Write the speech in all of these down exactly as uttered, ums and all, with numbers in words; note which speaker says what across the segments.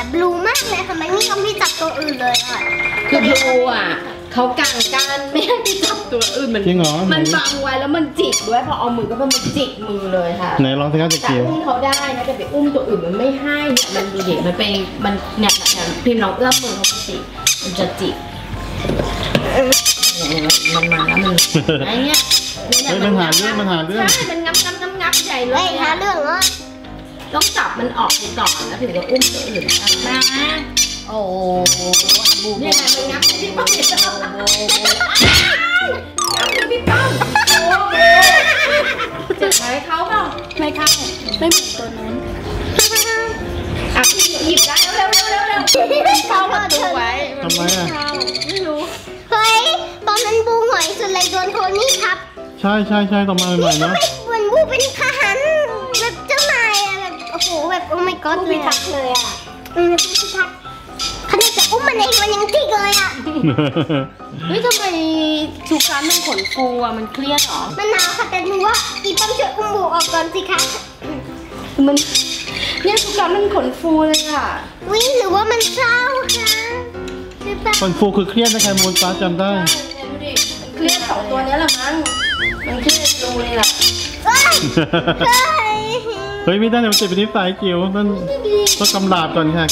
Speaker 1: บลูมากเลยค่ะมันไม่ยอมให้จับตัวอื่นเลยค่ะ
Speaker 2: คือบลูอ่ะเขากางกันไม่ให้ไปจับตัวอื่นมันจริงเหรอมันบังไว้แล้วมันจิกด้วยพอเอามือก็มันจิกมือเลยค่ะ
Speaker 3: ไหนลองสิครับจะเกี่ยว
Speaker 2: อุ้มเขาได้นะแต่ไปอุ้มตัวอื่นมันไม่ให้เนี่ยมันดูเด็กมันเป็นมันเนี่ยเนี่ยพิมพ์ลองเอื้อมมือเขาสิมันจะจิกมันมาแล้วมันไอ้เนี่ย
Speaker 3: มันหาเรื่องมันหาเรื่อง
Speaker 2: ใช่มันงับงับงับงับใหญ่เลย
Speaker 1: หาเรื่องเหรอ
Speaker 2: ต้องจับมันออกไปก่อนแล้วถึงจะอุ้มตัวอื่นมาโอ้บูเนี่ยมันงับที่ป้องเนี่ยงับที่พี่ป้องโอ้โหเจ็บไหมเขาเปล่าไม่เข้าไม่เหมือนตัวนั้นอ่ะพี่หยิบได้เร็วเร็วเร็วเร็วเขาประตูไว้
Speaker 3: ทำไมอ่ะ
Speaker 2: ไม่รู้
Speaker 1: เฮ้ยตอนนั้นบูหงอยสุดเลยโดนโทนี่ทับ
Speaker 3: ใช่ใช่ใช่ต่อมาใหม่ๆเนาะ
Speaker 1: เหมือนบูเป็นทหารแบบเจ้านายอะแบบโอ้โหแบบโอ้ my god
Speaker 2: พิทักษ์เลยอ่ะ
Speaker 1: อืมพิทักษ์ขนาดจะอุ้มมันเองมันยังจิกเลยอ่ะ
Speaker 2: เฮ้ยทำไมทุกครั้งมันขนฟูอ่ะมันเครียดหรอ
Speaker 1: มันหนาวค่ะแต่หนูว่าอีป้อมช่วยอุ้มบูออกก่อนสิคะ
Speaker 2: มันเนี่ยทุกครั้งมันขนฟูเลยอ่ะ
Speaker 1: วิ่งหรือว่ามันเศร้าคะ
Speaker 3: ขนฟูคือเครียดนะใครมูลฟ้าจำได้
Speaker 2: เครียดสองตัวนี้แหละมั้งมันเครียดดูเลยล่ะ
Speaker 3: เฮ้ยไม่ได้เดี๋ยวมันจะเป็นนิสัยจิ๋วนั่นต้องกำลาบก่อนค่ะ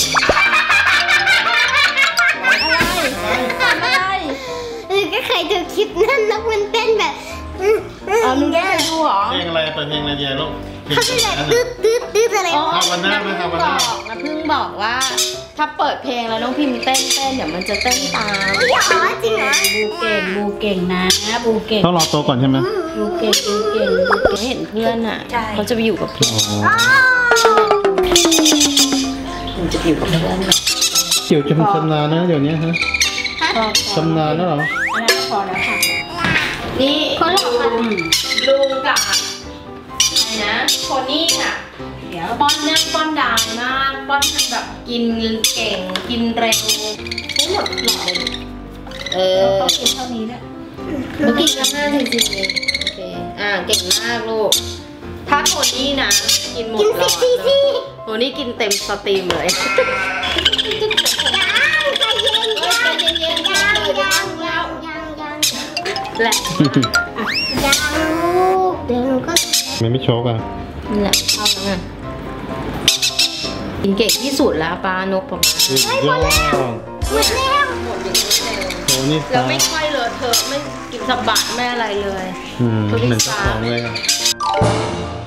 Speaker 2: อะไร
Speaker 1: เออก็เคยดูคลิปนั่นแล้วมันเต้นแบบ
Speaker 2: อ๋อมึงได้ดูเหรอ
Speaker 3: เพลงอะไรเปิดเพลงอะไรเยลูก
Speaker 1: เขาเป็นแบบตืดตืดตืดอะไร
Speaker 3: อ๋อวันหน้าไหมครับวันหน้า
Speaker 2: นะเพิ่งบอกว่าถ้าเปิดเพลงแล้วน้องพิมพ์เต้นเต้นเดี๋ยวมันจะเต้นตาม
Speaker 1: อ๋อจริงเหรอ
Speaker 2: บูเก่งบูเก่งนะบูเก่ง
Speaker 3: ต้องรอโตก่อนใช่ไหม
Speaker 2: บูเก่งบูเก่งบูเห็นเพื่อนอ่ะเขาจะไปอยู่กับพี่ผมจะอยู่กับเพื่อน
Speaker 3: เกี่ยวจะชำนาญนะเดี๋ยวนี้ฮะชำนาญแล้วเหรอ
Speaker 2: อันนั้นพอแล้วค่ะนี่คนหลอกกันลุงกับอะไรนะโคนี่อ่ะเดี๋ยวป้อนเนี่ยป้อนดังมากป้อนแบบกินเก่งกินเร็วทั้งหมดหลอดเลยเออเขากินเท่านี้แหละเมื่อกี้ก็ห้าจริงๆโอเคอ่าเก่งมากลูกถ้าโคนี่นะกินหมดหลอดเลยโคนี่กินเต็มสตรีมเลย
Speaker 1: ยังใจเย็นยัง
Speaker 2: เย็นๆ
Speaker 1: ยังยังยังยังยังแหละยังลูกเดี๋ยวหนูก็
Speaker 3: มันไม่โชกอ่ะ
Speaker 2: นี่แหละเอาแล้วไงกินเก่งที่สุดแล้วปลานกประมาณ
Speaker 3: ยอด
Speaker 1: หมดแล้ว
Speaker 2: หมดอย่างนี้เลย
Speaker 3: โอ้นี่
Speaker 2: แล้วไม่ค่อยเลอะเทอะไม่กินสะบัดไม่อะไรเลย
Speaker 3: อืมเหมือนสองเลยอ่ะ